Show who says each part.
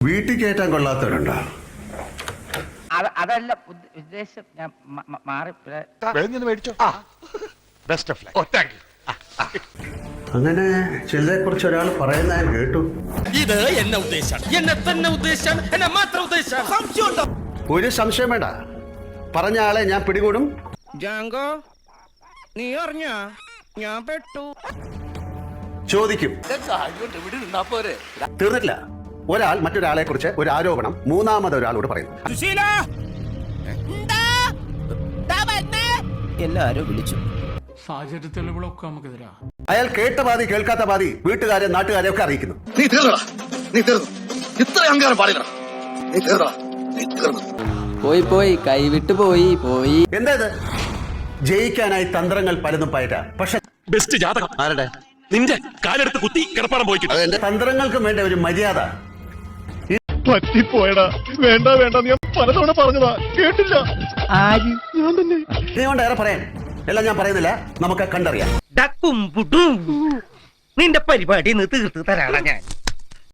Speaker 1: വീട്ടിൽ കയറ്റാൻ കൊള്ളാത്തവരുണ്ടോ?
Speaker 2: അതല്ല ഉദ്ദേശം. ഞാൻ മാറി
Speaker 1: അങ്ങനെ ചിലരെ കുറിച്ച് ഒരാൾ പറയുന്ന ഞാൻ കേട്ടു.
Speaker 3: ഇത് എന്നെ ഉദ്ദേശാണ്, എന്നെ തന്നെ ഉദ്ദേശാണ്, എന്നെ മാത്രം ഉദ്ദേശാണ്. സംശയമുണ്ടോ?
Speaker 1: ഒരു സംശയം വേണ്ട, പറഞ്ഞ ആളെ ഞാൻ പിടികൂടും.
Speaker 3: ജാങ്കോ, നീ അറിഞ്ഞ ഞാൻ പെട്ടു.
Speaker 1: ചോദിക്കും. തീർന്നിട്ടില്ല. ഒരാൾ മറ്റൊരാളെ കുറിച്ച് ഒരു ആരോപണം മൂന്നാമതൊരാളോട് പറയുന്നു.
Speaker 3: എല്ലാരും വിളിച്ചു.
Speaker 4: സാഹചര്യ തെളിവുകളൊക്കെ നമുക്കെതിരാ.
Speaker 1: അയാൾ കേട്ട പാതി കേൾക്കാത്ത പാതി വീട്ടുകാരെ നാട്ടുകാരെ ഒക്കെ അറിയിക്കുന്നു.
Speaker 5: നീ തീർന്നടാ, നീ തീർന്നു. ഇത്ര അഹങ്കാരം പാടില്ല. നീ തീർന്നടാ, നീ തീർന്നു.
Speaker 6: പോയി പോയി കൈവിട്ട് പോയി പോയി.
Speaker 1: എന്താ ഇത്? ജയിക്കാനായി തന്ത്രങ്ങൾ പലതും പയറ്റ. പക്ഷെ
Speaker 7: ബെസ്റ്റ് ജാതകം ആരുടെ? നിന്റെ കാലെടുത്ത് കുത്തി കിടപ്പാടം പോയി.
Speaker 1: തന്ത്രങ്ങൾക്കും വേണ്ട ഒരു മര്യാദ.
Speaker 5: പറ്റിപ്പോയടാ. വേണ്ട വേണ്ട, ഞാൻ പലതവണ പറഞ്ഞതാ, കേട്ടില്ല. ഞാൻ തന്നെ.
Speaker 1: ഇതുകൊണ്ട് ഏറെ പറയാൻ എല്ലാം ഞാൻ പറയുന്നില്ല, നമുക്ക് കണ്ടറിയാം.
Speaker 3: നിന്റെ പരിപാടി തീർത്ത് തരാടാ ഞാൻ.